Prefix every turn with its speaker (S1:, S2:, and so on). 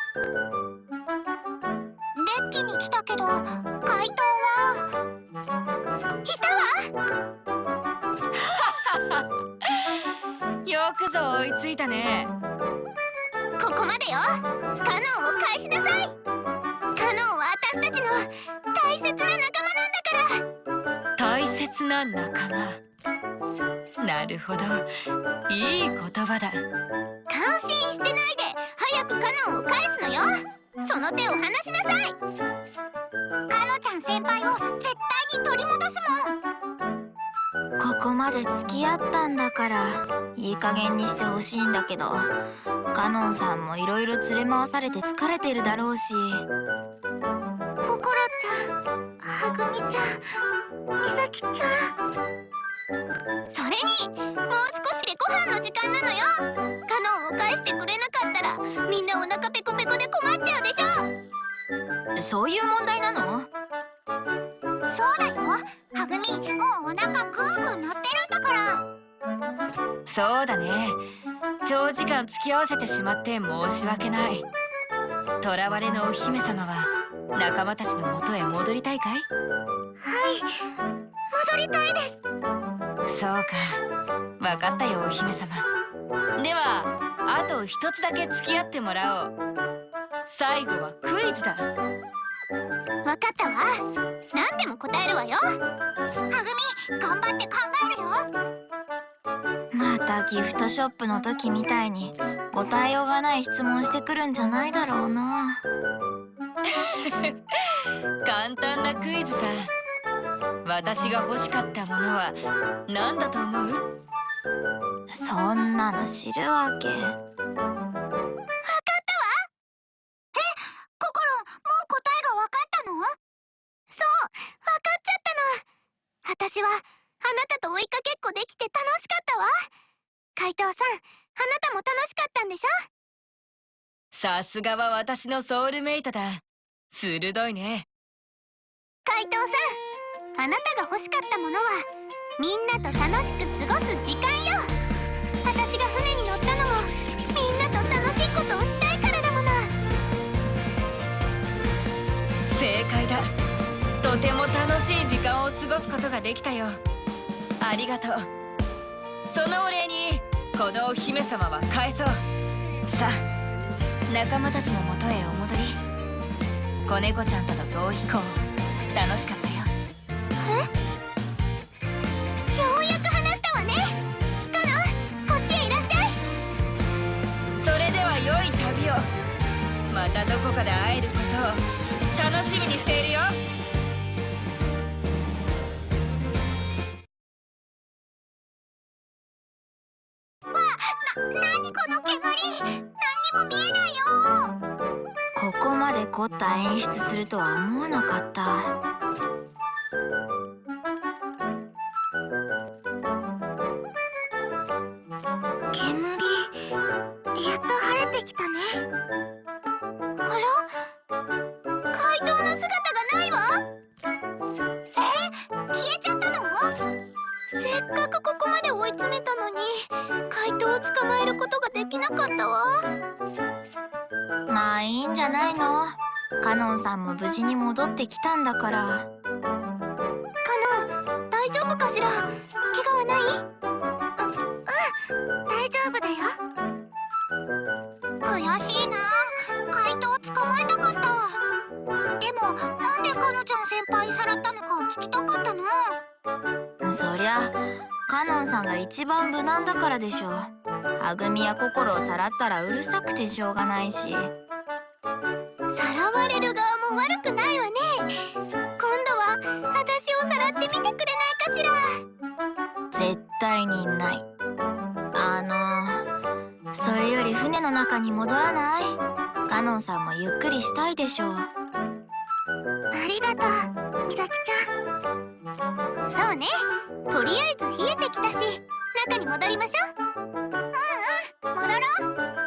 S1: デッキに来たけど、怪盗はいたわ。
S2: よくぞ追いついたね。
S1: ここまでよ。カノンを返しなさい。カノンは私たちの大切な仲間なんだから。
S2: 大切な仲間。なるほど、いい言葉だ。
S1: 感心してないで早くカノンを返すのよ。その手を離しなさい。カノちゃん先輩を絶対に取り戻すもん。
S3: ここまで付き合ったんだからいい加減にしてほしいんだけど、カノンさんもいろいろ連れ回されて疲れてるだろうし。
S1: ココロちゃん、はぐみちゃん、みさきちゃん。それにもう少しでご飯の時間なのよ。カノンを返してくれなかったらみんなお腹ペコペコで困っちゃうでしょ。
S3: そういう問題なの？
S1: そうだよ。はぐみ、もうお腹グーグー鳴ってるんだから。
S2: そうだね。長時間付き合わせてしまって申し訳ない。囚われのお姫様は仲間たちの元へ戻りたいかい？
S1: はい、戻りたいです。
S2: そうか、わかったよお姫様。ではあと一つだけ付き合ってもらおう。最後はクイズだ。
S1: わかったわ。何でも答えるわよ。はぐみ、頑張って考えるよ。
S3: またギフトショップの時みたいに答えようがない質問してくるんじゃないだろうな。
S2: 簡単なクイズさ。私が欲しかったものは何だと思う？
S3: そんなの知るわけ。
S1: わかったわ。ココロ、もう答えがわかったの？そう、わかっちゃったの。私はあなたと追いかけっこできて楽しかったわ。怪盗さん、あなたも楽しかったんでしょ？
S2: さすがは私のソウルメイトだ。鋭いね。
S1: 怪盗さん、あなたが欲しかったものはみんなと楽しく過ごす時間よ。私が船に乗ったのもみんなと楽しいことをしたいからだもの。
S2: 正解だ。とても楽しい時間を過ごすことができたよ。ありがとう。そのお礼にこのお姫様は返そう。さあ、仲間たちのもとへお戻り。子猫ちゃんとの逃避行楽しかったよ。
S1: ようやく話したわね。カノン、こっちへいらっしゃい。
S2: それでは良い旅を。またどこかで会えることを楽しみにしているよ。
S1: なにこの煙。何にも見えないよ。
S3: ここまで凝った演出するとは思わなかった。
S1: 煙、やっと晴れてきたね。あら、怪盗の姿がないわ。消えちゃったの？せっかくここまで追い詰めたのに怪盗を捕まえることができなかったわ。
S3: まあいいんじゃないの。カノンさんも無事に戻ってきたんだから。
S1: カノン、大丈夫かしら？怪我はない？大丈夫だよ。悔しいな。怪盗を捕まえたかった。でもなんでカノちゃん先輩さらったのか聞きたかったな。
S3: そりゃカノンさんが一番無難だからでしょ。はぐみや心をさらったらうるさくてしょうがないし。
S1: さらわれる側も悪くないわね。今度は私をさらってみてくれないかしら？
S3: 絶対にない。それより船の中に戻らない？カノンさんもゆっくりしたいでしょう。
S1: ありがとう、みさきちゃん。そうね、とりあえず冷えてきたし中に戻りましょう。戻ろう。